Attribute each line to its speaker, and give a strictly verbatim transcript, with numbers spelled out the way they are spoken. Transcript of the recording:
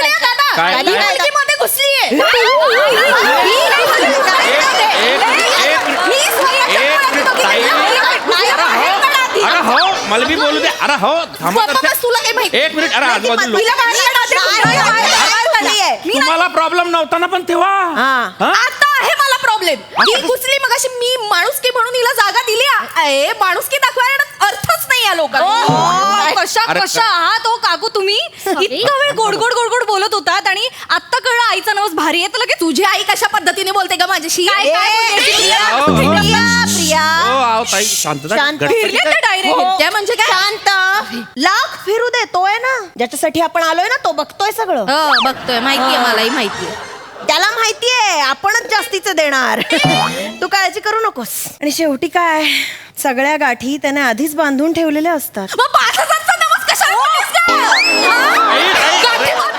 Speaker 1: घुसलीये दादा.
Speaker 2: काय-
Speaker 1: मी
Speaker 2: काय-
Speaker 1: मुलगीमध्ये घुसलीये.
Speaker 2: एक- एक-
Speaker 1: मी स्वतःच्या
Speaker 2: एक
Speaker 1: डोळ्यात
Speaker 2: मिनिट,
Speaker 1: बघितलं.
Speaker 2: ताई.
Speaker 1: नाही, नाही,
Speaker 2: अरे
Speaker 1: नाही,
Speaker 2: हो
Speaker 1: नाही,
Speaker 2: अरे हो मला बी बोलू दे. अरे हो थांबा
Speaker 1: स्वतःच
Speaker 2: तर-
Speaker 1: तुला काही माहिती
Speaker 2: एक मिनिट. अरे आजूबाजू लोक-
Speaker 1: तिला बाहेर काढा.
Speaker 3: नाही, नाही, नाही, नाही, नाही.
Speaker 1: मी
Speaker 2: तुम्हाला प्रॉब्लेम नव्हता ना पण तेव्हा
Speaker 3: हा.
Speaker 2: हा?
Speaker 1: आता आहे मला प्रॉब्लेम. ही घुसली मगाशी मी माणुसकी म्हणून हिला जागा दिली. ए माणुसकी दाखवायला अर्थच नाही या लोकांना.
Speaker 4: कशा
Speaker 2: अरे
Speaker 4: कशा आहात हो काकू तुम्ही इतका वेळ गोड गोड गोड गोड बोलत होतात आणि आता कळलं आईचा नवस भारी आहे तर लगेच
Speaker 1: तुझी आई कशा पद्धतीने बोलते का माझ्याशी?
Speaker 4: काय काय
Speaker 3: ए,
Speaker 4: बोलते ती?
Speaker 3: प्रिया,
Speaker 2: अहो,
Speaker 3: प्रिया, प्रिया.
Speaker 2: हो आहो ताई शांतता
Speaker 3: शांत.
Speaker 2: गणपती
Speaker 4: फिरले
Speaker 2: काय-
Speaker 4: ते डायरेक्ट
Speaker 3: हो.
Speaker 1: त्या म्हणजे काय?
Speaker 3: शांत लाख फिरू दे तोय ना ज्याच्यासाठी आपण आलोय ना तो बघतोय सगळं
Speaker 1: हो बघतोय माहितीये मलाही माहितीये.
Speaker 3: त्याला माहितीये आपणच जास्तीचं देणार तू काळजी करू नकोस आणि शेवटी काय सगळ्या गाठी त्याने आधीच बांधून ठेवलेल्या असतात
Speaker 1: मग पाच हजारचा नवस कशाला बोललीस गं? हा?
Speaker 2: ताई, ताई,
Speaker 1: गाठी
Speaker 2: अरे-
Speaker 1: मारून